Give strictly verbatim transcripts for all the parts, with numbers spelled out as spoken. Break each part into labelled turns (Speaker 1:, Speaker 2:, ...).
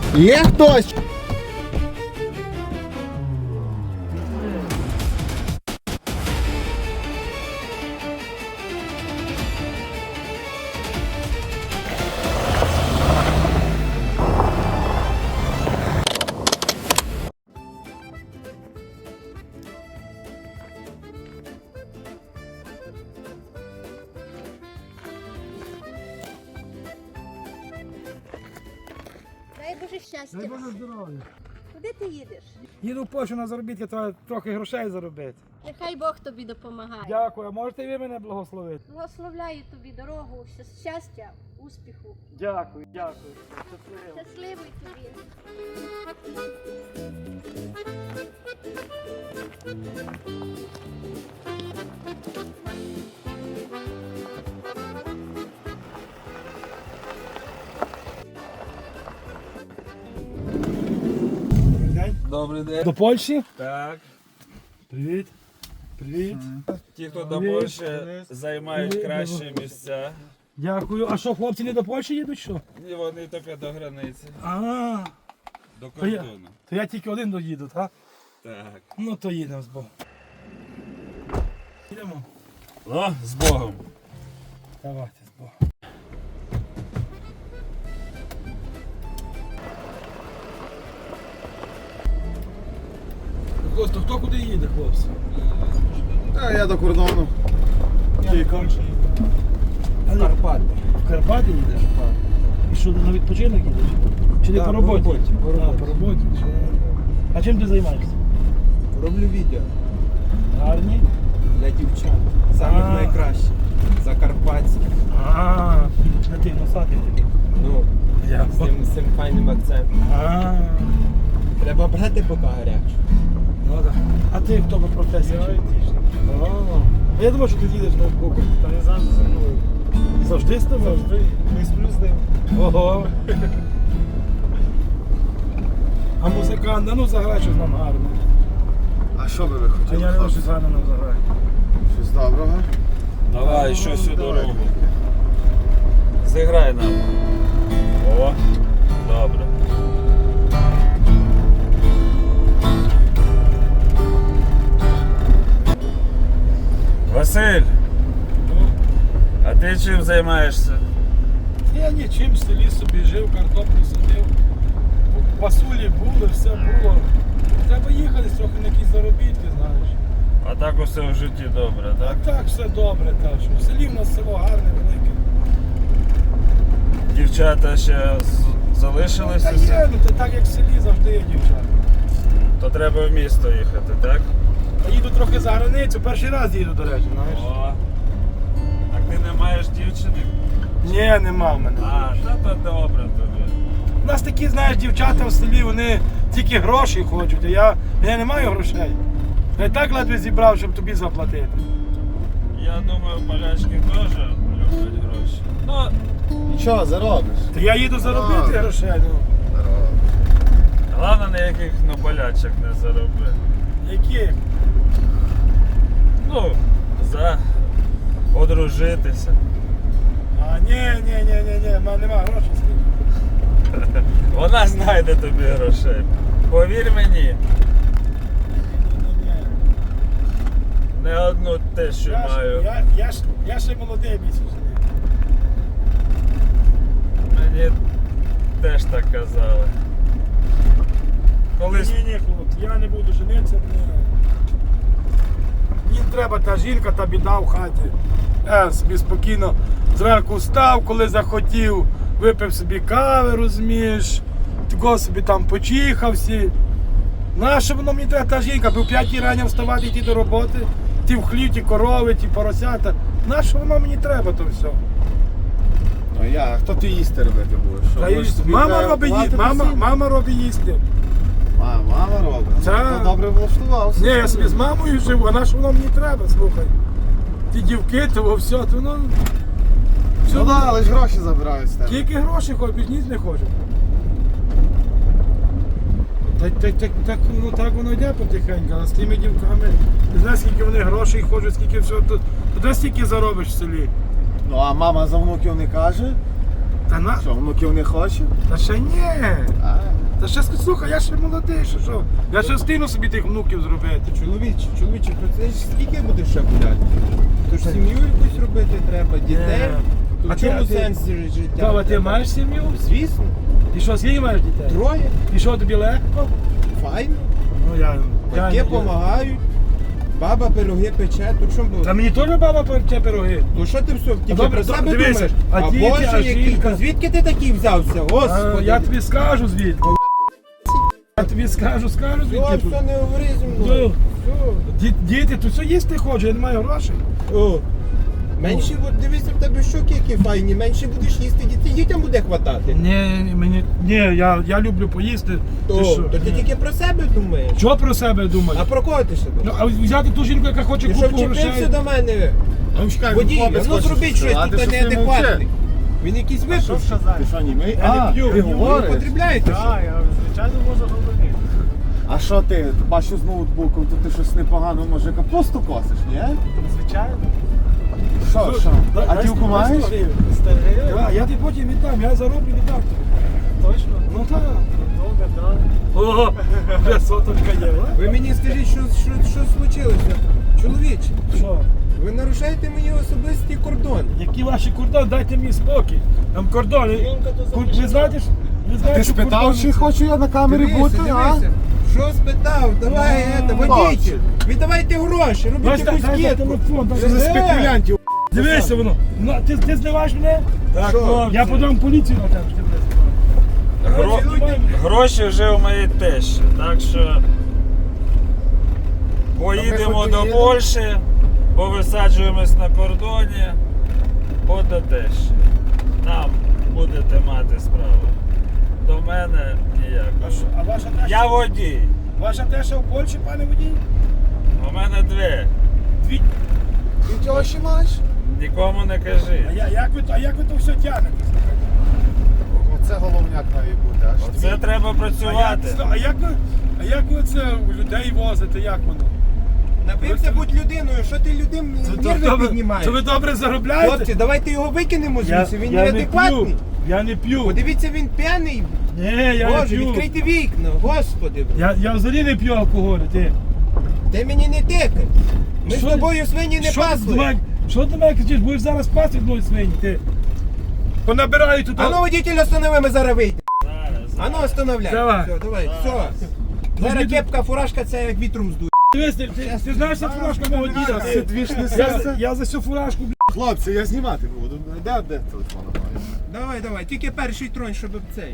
Speaker 1: Є хтось?
Speaker 2: Дай Боже щастя.
Speaker 3: Дай Боже здоров'я.
Speaker 2: Куди ти їдеш?
Speaker 3: Їду в Польщу на заробітки, треба трохи грошей заробити.
Speaker 2: Нехай Бог тобі допомагає.
Speaker 3: Дякую, а можете ви мене благословити?
Speaker 2: Благословляю тобі дорогу, щас- щастя, успіху.
Speaker 3: Дякую, дякую. Щасливо.
Speaker 2: Щасливий тобі.
Speaker 3: Добрий день.
Speaker 4: Добрий день.
Speaker 3: До Польщі?
Speaker 4: Так.
Speaker 3: Привіт. Привіт.
Speaker 4: Ті, хто до
Speaker 3: Привіт.
Speaker 4: Польщі займають
Speaker 3: Привіт.
Speaker 4: кращі місця.
Speaker 3: Дякую. А що, хлопці не до Польщі їдуть, що?
Speaker 4: І вони тільки до границі,
Speaker 3: А,
Speaker 4: до
Speaker 3: то я,
Speaker 4: кордону.
Speaker 3: то я тільки один доїду, так?
Speaker 4: Так.
Speaker 3: Ну то їдемо з Богом. Їдемо.
Speaker 4: О, з Богом.
Speaker 3: Давайте з Богом. Хлопці, то хто куди їде, хлопці?
Speaker 1: А я до кордону.
Speaker 3: В Карпати. В Карпати їдеш? І що, на відпочинок їдеш? Чи не по роботі?
Speaker 5: по роботі, по
Speaker 3: А,
Speaker 5: роботі.
Speaker 3: по роботі. Чи- А чим ти займаєшся?
Speaker 5: Роблю відео
Speaker 3: Гарні?
Speaker 5: для дівчат. Самих
Speaker 3: А.
Speaker 5: найкращих. Закарпатських.
Speaker 3: А, на ти носатий такий.
Speaker 5: Ну,
Speaker 3: Я.
Speaker 5: з цим, з цим файним акцентом.
Speaker 3: А,
Speaker 5: Треба брати поки гарячу.
Speaker 3: ну так. А ти хто по професії? О, а я думав, що ти їдеш на боку.
Speaker 6: Та не завжди зі мною.
Speaker 3: Завжди з тобою?
Speaker 6: Завжди. Ми сплю з ним.
Speaker 3: Ого. А музикант, а ну заграй щось нам гарно.
Speaker 1: А що би ви
Speaker 3: А
Speaker 1: хотіли?
Speaker 3: я не
Speaker 1: хлопці?
Speaker 3: щось гарно нам заграй.
Speaker 1: Щось доброго?
Speaker 4: Давай, щось у
Speaker 1: давай.
Speaker 4: дорогу. Зіграй нам. О, добре. Василь, а ти чим займаєшся?
Speaker 3: Я нічим в селі собі жив, картоплю садив. Пасулі були, все було. Треба їхати трохи на якісь заробітки, знаєш.
Speaker 4: А так усе в житті добре, так?
Speaker 3: А так все добре, так що в селі в нас село гарне, велике.
Speaker 4: Дівчата ще з- залишилися?
Speaker 3: Та є, ну то так як в селі завжди є дівчата.
Speaker 4: То треба в місто їхати, так?
Speaker 3: А їду трохи за границю, перший раз їду, до речі, знаєш.
Speaker 4: О, так ти не маєш дівчини?
Speaker 3: Ні, нема в мене.
Speaker 4: А, та то добре тобі.
Speaker 3: У нас такі, знаєш, дівчата в селі, вони тільки гроші хочуть, а я, я не маю грошей. Я і так ледве зібрав, щоб тобі заплатити.
Speaker 4: Я думаю, полячки теж люблять гроші. Ну,
Speaker 1: Нічого, заробиш.
Speaker 3: Та я їду заробити
Speaker 1: А.
Speaker 3: грошей, ну.
Speaker 4: головне ніяких ну, болячок не зароби.
Speaker 3: Які?
Speaker 4: Ну, за одружитися.
Speaker 3: А, ні, ні, ні, ні, ні, в мене нема грошей скільки.
Speaker 4: Вона знайде тобі грошей. Повір мені,
Speaker 3: Ні, ні, ні.
Speaker 4: не одну те, що
Speaker 3: Я, ж-
Speaker 4: маю.
Speaker 3: я, я, ж- я ще молодий місяць.
Speaker 4: Мені теж так казали. Колись
Speaker 3: Ні, ні, хлопці, я не буду женитися. Мені, мені треба та жінка, та біда в хаті. Я собі спокійно зранку встав, коли захотів, випив собі кави, розумієш, такого собі там почихався. Нащо воно мені треба та жінка, бо в п'ятій рання вставати йти до роботи, ті в хлів, ті корови, ті поросята. Нащо воно мені треба то все?
Speaker 1: Ну я, хто ти їсти робити будеш? Що,
Speaker 3: Та
Speaker 1: будеш
Speaker 3: й-
Speaker 1: собі
Speaker 3: мама
Speaker 1: треба
Speaker 3: робить
Speaker 1: платити
Speaker 3: їсти, мама,
Speaker 1: всім?
Speaker 3: мама робить їсти.
Speaker 1: Мама, мама робить.
Speaker 3: Та.
Speaker 1: Ну, добре влаштувався.
Speaker 3: Ні, я собі з мамою живу, а на що воно мені треба, слухай. Ті дівки, того все, то воно. Все,
Speaker 1: Ну да, але ж гроші забирають з тебе.
Speaker 3: тільки гроші хоч, більш ніч не хочу. Так, так, так, так, ну, так воно йде потихеньку, а з тими дівками, ти знаєш, скільки вони грошей хочуть, скільки всього, то, то де стільки заробиш в селі?
Speaker 1: Ну а мама за внуків не каже?
Speaker 3: Та на...
Speaker 1: Що, внуків не хоче?
Speaker 3: Та ще ні.
Speaker 1: А,
Speaker 3: Та ще слухай, я ще молодий, що що? Я ще встигну собі тих внуків зробити.
Speaker 5: Чоловіче, чоловіче, то це ж скільки будеш ще гуляти? То ж сім'ю якусь робити треба, дітей. То
Speaker 3: А
Speaker 5: в
Speaker 3: ти-
Speaker 5: чому
Speaker 3: а ти-
Speaker 5: сенс життя?
Speaker 3: Баба, ти маєш сім'ю?
Speaker 5: Звісно.
Speaker 3: І що, скільки маєш дітей?
Speaker 5: Троє.
Speaker 3: І що, тобі легко?
Speaker 5: Файно.
Speaker 3: Ну я...
Speaker 5: Батьки
Speaker 3: я-
Speaker 5: допомагають. Баба пироги пече, то чому було?
Speaker 3: Та мені теж баба пече пироги.
Speaker 5: Ну що ти все, тільки
Speaker 3: добре,
Speaker 5: про
Speaker 3: добре,
Speaker 5: себе
Speaker 3: дивися,
Speaker 5: думаєш?
Speaker 3: а
Speaker 5: А
Speaker 3: діти,
Speaker 5: Боже,
Speaker 3: а
Speaker 5: який,
Speaker 3: жінка?
Speaker 5: та звідки ти такий взявся?
Speaker 3: А,
Speaker 5: Господи.
Speaker 3: я тобі скажу звідки. Я тобі скажу, скажу
Speaker 5: Все,
Speaker 3: звідки.
Speaker 5: все, не говори зі
Speaker 3: Ну,
Speaker 5: мною.
Speaker 3: ді- Діти, то все їсти хочу, я не маю грошей.
Speaker 5: О. Менше, от дивися, в тебе щоки які файні, менше будеш їсти, діти- дітям буде хватати.
Speaker 3: Ні, мені, ні, я, я люблю поїсти.
Speaker 5: То,
Speaker 3: Ти що?
Speaker 5: то ти
Speaker 3: Ні.
Speaker 5: тільки про себе думаєш.
Speaker 3: Що про себе думаєш?
Speaker 5: А про кого ти ще
Speaker 3: Ну,
Speaker 5: думаєш?
Speaker 3: а взяти ту жінку, яка хоче
Speaker 5: Ти що
Speaker 3: купу
Speaker 5: вчепився
Speaker 3: грошей.
Speaker 5: до мене?
Speaker 1: а ну чекай,
Speaker 5: Водій,
Speaker 1: хлопець
Speaker 5: ну
Speaker 1: хоче
Speaker 5: зробіть щось,
Speaker 1: сказати,
Speaker 5: тут
Speaker 1: що ти
Speaker 5: неадекватний.
Speaker 1: мовчи.
Speaker 5: Він якийсь випив.
Speaker 1: Ти що, німий?
Speaker 3: Я не
Speaker 1: А,
Speaker 3: п'ю,
Speaker 1: ти
Speaker 3: я не
Speaker 1: говориш?
Speaker 5: Потрібляєте що?
Speaker 6: Так, я звичайно можу говорити.
Speaker 1: А що ти, бачу з ноутбуком, то ти щось непогано, може капусту косиш, ні?
Speaker 6: Звичайно.
Speaker 1: Що, що?
Speaker 3: Дай-
Speaker 1: А
Speaker 3: дай
Speaker 1: дівку
Speaker 3: сто- дай
Speaker 1: маєш?
Speaker 3: сто гривень.
Speaker 6: сто гривень?
Speaker 3: А, я тобі потім віддам, я зароблю віддам тобі.
Speaker 6: Точно?
Speaker 3: Ну так.
Speaker 6: Добре, так.
Speaker 3: Ого, вже соточка є, а?
Speaker 5: Ви мені скажіть, що, що, що случилося? Чоловіче,
Speaker 3: Що?
Speaker 5: ви нарушаєте мені особисті кордони.
Speaker 3: Які ваші кордони? Дайте мені спокій. Там кордони.
Speaker 6: Жінка то
Speaker 3: Кур- Ви знаєте, ж- ви знаєте,
Speaker 1: Ти
Speaker 3: що
Speaker 1: спитав,
Speaker 3: кордони
Speaker 1: чи
Speaker 3: це?
Speaker 1: хочу я на камері
Speaker 5: Дивися,
Speaker 1: бути, а?
Speaker 5: дивися. Що спитав? Давай,
Speaker 3: А,
Speaker 5: это, водитель. Віддавайте гроші,
Speaker 3: Дай,
Speaker 5: робіть
Speaker 3: дай,
Speaker 5: якусь
Speaker 3: дай, дай
Speaker 5: кітку.
Speaker 3: телефон, дай.
Speaker 1: Що за
Speaker 5: Е!
Speaker 1: спекулянтів?
Speaker 3: Дивися воно. Ну, ти, ти зливаєш мене?
Speaker 4: Так,
Speaker 5: Що?
Speaker 4: хлопці,
Speaker 3: Я подам поліцію на тебе, що ти мене зливаєш.
Speaker 4: гро-
Speaker 3: Знімай мене.
Speaker 4: гроші вже у моєї тещі, так що поїдемо
Speaker 1: хоч
Speaker 4: до
Speaker 1: поїдемо.
Speaker 4: Польщі, повисаджуємось на кордоні, от до тещі. Там будете мати справу. До мене
Speaker 3: А,
Speaker 4: ніяк.
Speaker 3: що, а ваша теша?
Speaker 4: Я водій.
Speaker 3: Ваша теша в Польщі, пане водій?
Speaker 4: У мене дві.
Speaker 3: Дві.
Speaker 1: Ти чого ще маєш?
Speaker 4: Нікому не
Speaker 3: А,
Speaker 4: кажи.
Speaker 3: я, як ви, а як ви то все тягнете?
Speaker 1: Оце головняк має бути, аж
Speaker 4: Оце треба
Speaker 3: А як,
Speaker 4: працювати.
Speaker 3: а як ви, а як ви це у людей возите, як воно?
Speaker 5: Напився будь людиною, що ти людям
Speaker 3: Це
Speaker 5: нерви
Speaker 3: добре-
Speaker 5: піднімаєш?
Speaker 3: Це ви добре заробляєте?
Speaker 5: Хлопці, давайте його викинемо
Speaker 3: я,
Speaker 5: звідси, він
Speaker 3: я не
Speaker 5: неадекватний.
Speaker 3: п'ю, я не п'ю.
Speaker 5: Подивіться, він п'яний.
Speaker 3: Ні, я
Speaker 5: Боже,
Speaker 3: не п'ю.
Speaker 5: відкрийте вікна, господи.
Speaker 3: Я, я взагалі не п'ю алкоголю, ти.
Speaker 5: Ти мені не тикай. Ми
Speaker 3: Що
Speaker 5: з
Speaker 3: ти-
Speaker 5: тобою свині не
Speaker 3: Що ти до
Speaker 5: пасли.
Speaker 3: мене- Що ти мене кричиш? Будеш зараз пасти одної свині, ти. Понабираю тут.
Speaker 5: А ну, водитель, останови, ми зараз вийдемо.
Speaker 4: Зараз.
Speaker 5: А ну, остановляй.
Speaker 3: Давай.
Speaker 5: Все, давай, все. Зараз кепка, фуражка, це як вітром здує.
Speaker 3: Дивись, ти, ти, ти знаєш, це фуражка мого діда.
Speaker 1: Це
Speaker 3: Ти,
Speaker 1: двіж не
Speaker 3: я,
Speaker 1: серце.
Speaker 3: я за цю фуражку, бля.
Speaker 1: Хлопці, я знімати буду. Де, де телефон має?
Speaker 5: Давай, давай, тільки перший тронь, щоб цей.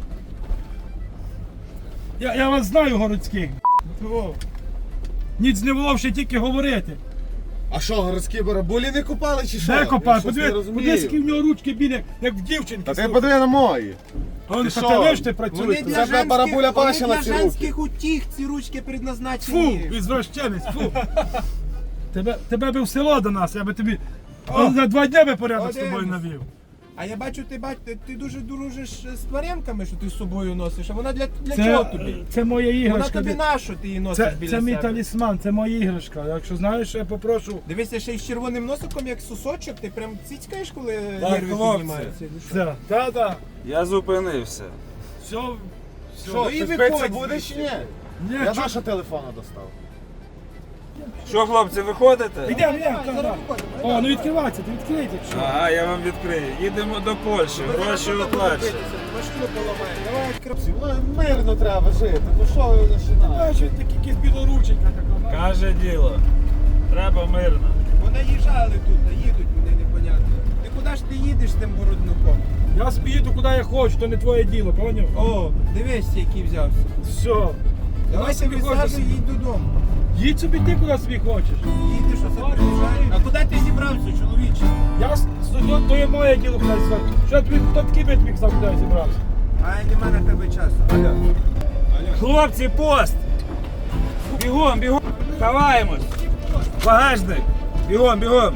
Speaker 3: Я, я вас знаю городських.
Speaker 5: О.
Speaker 3: Ніц не було ще тільки говорити.
Speaker 1: А що, городські барабулі не купали чи що?
Speaker 3: Де
Speaker 1: Я
Speaker 3: копати?
Speaker 1: щось не
Speaker 3: Подивись,
Speaker 1: розумію.
Speaker 3: подивись, які в нього ручки білі, як в дівчинки.
Speaker 1: Та ти
Speaker 3: слухай.
Speaker 1: подиви на мої.
Speaker 3: А он
Speaker 1: ти
Speaker 3: що
Speaker 1: що?
Speaker 3: ти лиш ти
Speaker 5: Вони
Speaker 3: працюєш?
Speaker 5: для
Speaker 1: Це
Speaker 5: женських,
Speaker 1: барабуля
Speaker 5: вони
Speaker 1: бачила
Speaker 5: для
Speaker 1: ці руки.
Speaker 5: женських утіх ці ручки предназначені.
Speaker 3: Фу, ізвращенець, фу. Тебе, тебе би в село до нас, я би тобі о, за два дні би порядок з тобою
Speaker 5: Подивимось.
Speaker 3: навів.
Speaker 5: А я бачу, ти бач, ти, ти дуже дружиш з тваринками, що ти з собою носиш. А вона для, для чого
Speaker 3: Це,
Speaker 5: тобі?
Speaker 3: це моя
Speaker 5: Вона
Speaker 3: іграшка.
Speaker 5: тобі
Speaker 3: Це,
Speaker 5: на що ти її носиш
Speaker 3: це,
Speaker 5: біля
Speaker 3: це мій
Speaker 5: себе?
Speaker 3: талісман, це моя іграшка. Якщо знаєш, я попрошу.
Speaker 5: Дивися, ще й з червоним носиком, як сосочок, ти прям цицькаєш, коли
Speaker 4: Так,
Speaker 5: нерви
Speaker 4: хлопці.
Speaker 5: піднімаються. Ну що?
Speaker 3: Це, та-та.
Speaker 4: Я зупинився.
Speaker 3: Все, все.
Speaker 1: Що,
Speaker 5: Ну і
Speaker 1: ти
Speaker 5: виходь
Speaker 1: спиться будеш чи ні?
Speaker 3: Ні,
Speaker 1: Я
Speaker 3: чо-
Speaker 1: нашого телефона достав.
Speaker 4: Що, хлопці, виходите?
Speaker 3: Йдемо, йдемо, та, та. О, ну відкривайся, ти відкрийте. Що?
Speaker 4: Ага, я вам відкрию. Їдемо до Польщі, гроші оплачені.
Speaker 5: Машину поламає. Давай,
Speaker 1: Хлопці, ну, мирно треба жити. Ну що ви починаєте?
Speaker 3: Бачиш, такі якісь білорученька така.
Speaker 4: Каже діло. Треба мирно.
Speaker 5: понаїжджали тут, їдуть вони непонятно. Ти куди ж ти їдеш з тим бороднуком?
Speaker 3: Я собі їду куди я хочу, то не твоє діло, поняв?
Speaker 5: О, дивись, який взявся.
Speaker 3: Все.
Speaker 5: Давай
Speaker 3: собі
Speaker 5: собі
Speaker 3: хочеш.
Speaker 5: саджу і їдь додому.
Speaker 3: Їдь собі ти куди собі хочеш.
Speaker 5: Їдеш, а це приїжджає. А куди ти зібрався, чоловіче?
Speaker 3: Я с- то, то є моє діло куди звати. Що тобі хто такий би тобі казав, куди я зібрався?
Speaker 5: А нема на тебе часу. Алло.
Speaker 4: Хлопці, пост! Бігом, бігом! Ховаємось! Багажник! Бігом, бігом!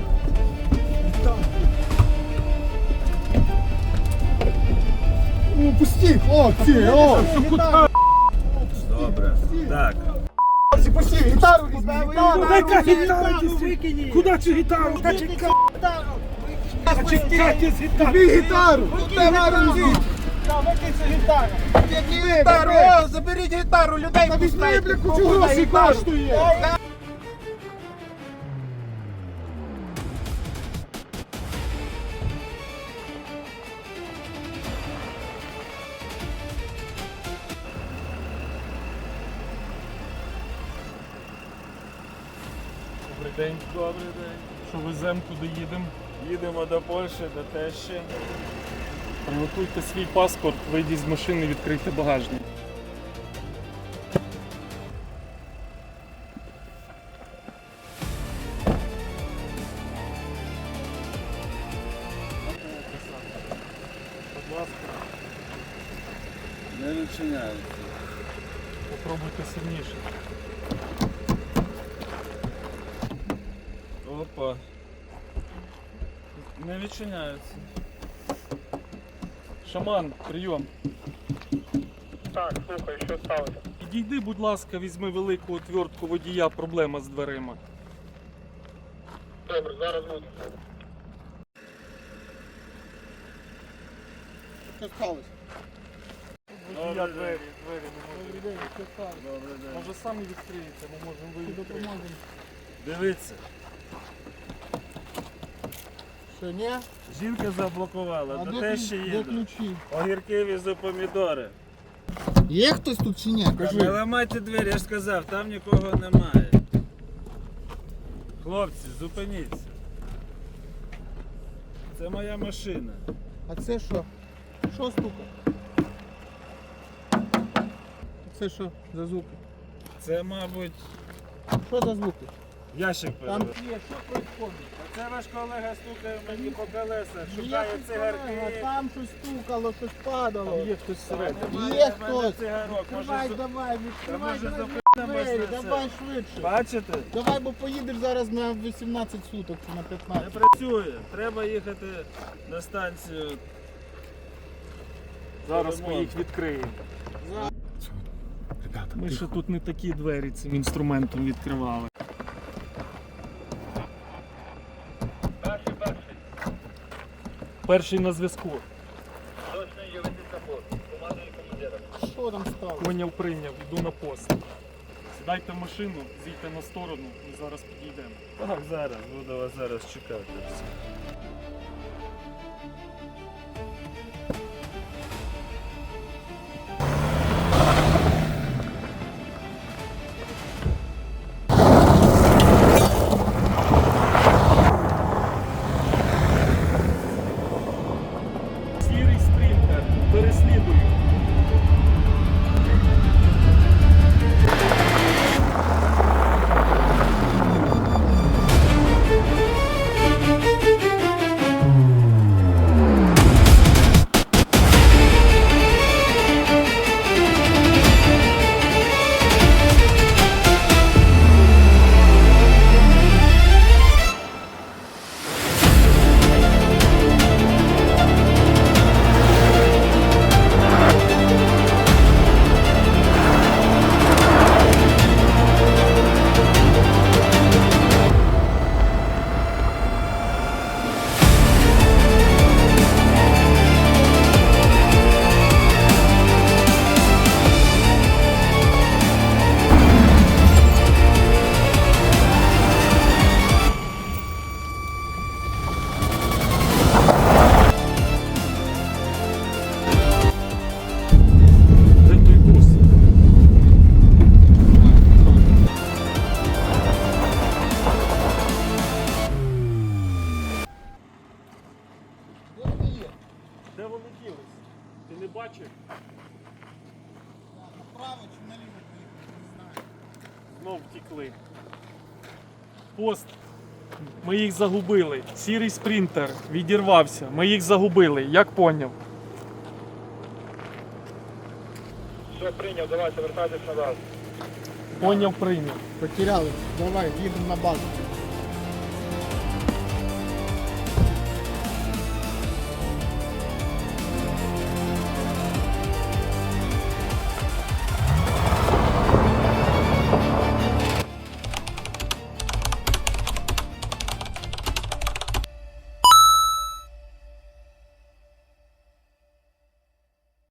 Speaker 1: Ну, пусті, хлопці, о!
Speaker 4: Добре. Так.
Speaker 1: Хлопці, пусті, гітару візьми, гітару!
Speaker 3: Куди яка гітара? ти си- Куди цю гітару? А чи ти з гітарою?
Speaker 5: Тобі гітару! Гітару візьміть! Гітару! О, заберіть гітару, людей пускайте! Візьми, бля, кучу грошей коштує!
Speaker 4: Добрий день. Добрий день.
Speaker 6: Що веземо, куди їдемо?
Speaker 4: Їдемо до Польщі, до тещі.
Speaker 6: Приготуйте свій паспорт, вийдіть з машини, відкрийте багажник. Будь ласка,
Speaker 4: Не відчиняється.
Speaker 6: попробуйте сильніше.
Speaker 4: Опа. Не відчиняється.
Speaker 6: Шаман, прийом.
Speaker 7: Так, слухай, що сталося?
Speaker 6: Підійди, будь ласка, візьми велику отвертку водія, проблема з дверима.
Speaker 7: Добре, зараз буду.
Speaker 5: Що сталося?
Speaker 6: Водія двері, двері не можуть відкрити. Може самі відкриєте, ми можемо виїхати.
Speaker 4: Дивіться.
Speaker 5: Що, ні?
Speaker 4: Жінка заблокувала, до тещі їду.
Speaker 5: ключі?
Speaker 4: Огірки візу помідори.
Speaker 5: Є хтось тут чи ні?
Speaker 4: Не ламайте двері, я ж сказав, там нікого немає. Хлопці, зупиніться. Це моя машина.
Speaker 5: А це що? Що стука? Це що за звуки?
Speaker 4: Це, мабуть,
Speaker 5: Що за звуки?
Speaker 4: ящик
Speaker 5: Там
Speaker 4: перевернув.
Speaker 5: є, що відбувається?
Speaker 4: Це ваш колега стукає мені по колесах, шукає
Speaker 5: Ніяких колег,
Speaker 4: цигарки.
Speaker 5: там щось стукало, щось падало.
Speaker 6: Є хтось всередині.
Speaker 5: Є
Speaker 4: В мене
Speaker 5: хтось.
Speaker 4: цигарок,
Speaker 5: Відкривай,
Speaker 4: може,
Speaker 5: давай, відкривай,
Speaker 4: може,
Speaker 5: давай,
Speaker 4: запитаємось
Speaker 5: двері,
Speaker 4: на це?
Speaker 5: давай швидше.
Speaker 4: бачите?
Speaker 5: Давай, бо поїдеш зараз на вісімнадцять суток чи на
Speaker 4: Не
Speaker 5: п'ятнадцять.
Speaker 4: працює. Треба їхати на станцію.
Speaker 6: Зараз ми їх відкриємо. Ми ще тут не такі двері цим інструментом відкривали.
Speaker 7: Перший, перший.
Speaker 6: Перший на зв'язку.
Speaker 7: Точно є ведіть на пост. Командує командира.
Speaker 5: Що там стало?
Speaker 6: Поняв, прийняв, йду на пост. Сідайте в машину, зійте на сторону, ми зараз підійдемо.
Speaker 4: Так, зараз, буду вас зараз чекати.
Speaker 6: Сірий спринтер, переслідую. Де той бус?
Speaker 5: Де вони є?
Speaker 6: Де вони ділись? Ти не бачив?
Speaker 5: Направо чи наліво поїхати, не знаю.
Speaker 6: Знов втікли. Пост. Ми їх загубили. Сірий спринтер відірвався. Ми їх загубили. Як поняв?
Speaker 7: Все, прийняв, давайте, вертайтесь назад.
Speaker 6: Поняв, прийняв.
Speaker 5: Потеряли. Давай, їдемо на базу.